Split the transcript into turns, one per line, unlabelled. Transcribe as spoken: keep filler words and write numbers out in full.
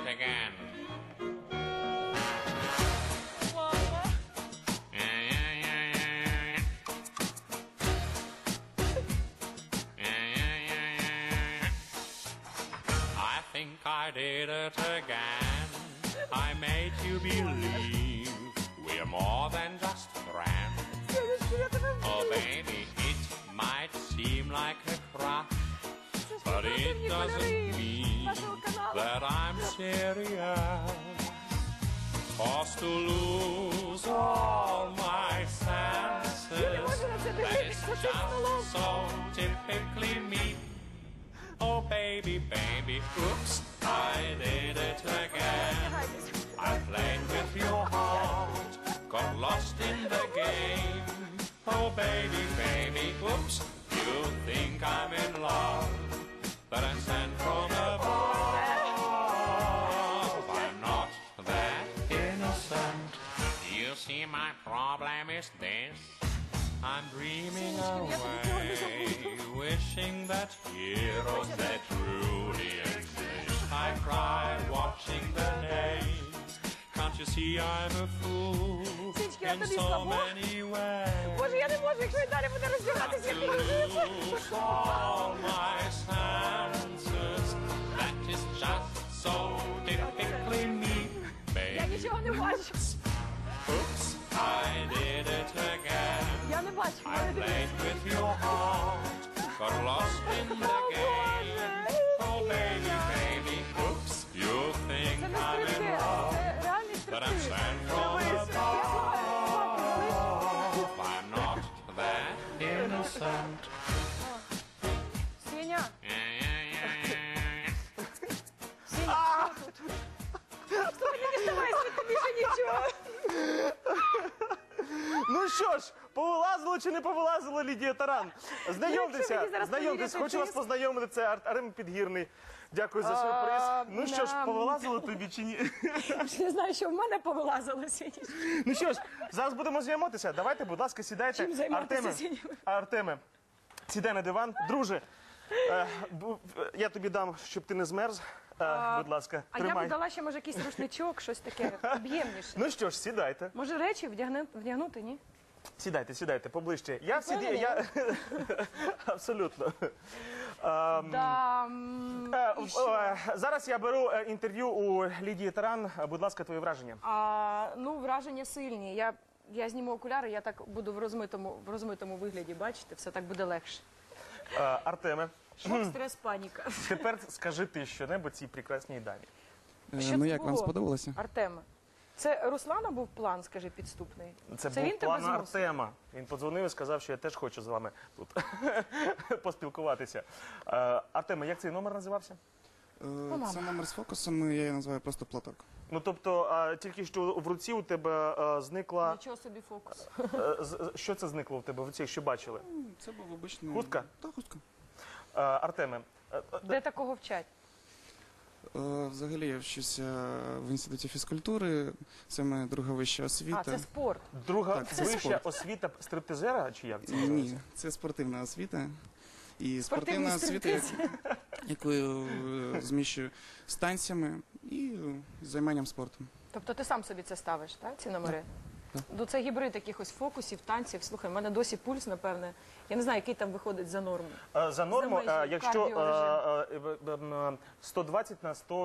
again. I think I did it again. I made you believe we're more than just friends. Oh baby, it might seem like a crush, but it doesn't mean that I'm serious. Forced to lose all my senses, that is just so typically me. Oh baby, baby, oops, I did it again. I played with your heart, got lost in the game. Oh baby, baby, oops, you think I'm in love, but I'm sent from above. I'm not that innocent. You see, my problem is this. I'm dreaming away, wishing that heroes that truly exist. I cry watching the names. Can't you see I'm a fool in so many ways?
Боже, я не можу, якщо і далі буде роздягатися, як
Lose all my senses. That is just so typically me,
я
baby.
нічого не бачу.
Oops, I did it again.
Я не бачу.
I played with your heart, got lost in the game. Oh baby, baby, oops, you think
Це не
I'm in
стриптиз,
love,
це реальний
but I'm
стриптиз.
sent from above. I'm not that innocent.
Сеня,
Yeah-yeah-yeah-yeah.
Сеня, слухай, не діставай звідти більше нічого.
Ну що ж, повилазило чи не повилазило Лідія Таран?
Якщо
Знайомтеся,
мені зараз
знайомтесь,
повірити,
хочу вас
ти-
познайомити, це Ар- Арем Підгірний. Дякую за сюрприз.
А,
Ну що ж,
нам-
повилазило тобі чи ні?
Не знаю, що в мене повилазило, Сеня.
Ну що ж, зараз будемо знайомитися. Давайте, будь ласка, сідайте.
Чим займатися,
Артеме,
Сеня?
Артеме, сідай на диван. Друже, е, бу- я тобі дам, щоб ти не змерз. Е, будь ласка,
А я б
тримай.
дала ще, може, якийсь рушничок, щось таке об'ємніше.
Ну що ж, сідайте.
Може, речі вдягни- вдягнути, ні?
Сідайте, сідайте поближче. Я всі...
Впевнені?
Я... Абсолютно.
Да, м,
Е,
і
в-
що?
е, Зараз я беру е, інтерв'ю у Лідії Таран. Е, Будь ласка, твої враження.
А, ну, враження сильні. Я, я зніму окуляри, я так буду в розмитому, в розмитому вигляді, бачите, все так буде легше.
Е, Артеме,
Шок, стрес, паніка.
тепер скажи ти щонебудь цій прекрасній дамі.
Е,
Що
Ну
це
як вам
було?
сподобалося?
Артеме, це Руслана був план, скажи, підступний?
Це,
Це
був
він тебе
план
змусив?
Артема. Він подзвонив і сказав, що я теж хочу з вами тут поспілкуватися. Е, Артеме, як цей номер називався?
Е, Це номер з фокусом, я її називаю просто платок.
Ну, тобто, е, тільки що в руці у тебе е, зникла...
Нічого собі фокус.
е, з- Що це зникло в тебе в руці, що бачили?
Це був обичний...
Хустка?
Так, хустка.
Е, Артеме, е, е,
Де такого вчать?
Е, Взагалі я вчуся в інституті фізкультури, це моя друга вища освіта.
А, це спорт.
друга
Так, це
вища
спорт.
освіта стриптизера, чи як це називається?
Ні, це спортивна освіта. І
Спортивний
спортивна освіта, як- яку я е, зміщую з танцями і е, займанням спортом.
Тобто ти сам собі це ставиш, так, ці номери? Ну, це гібрид якихось фокусів, танців. Слухай, в мене досі пульс, напевне. Я не знаю, який там виходить за норму.
Е, За норму,
За межі
е, якщо
кардіорежиму.
е, е, е, е, сто двадцять на сто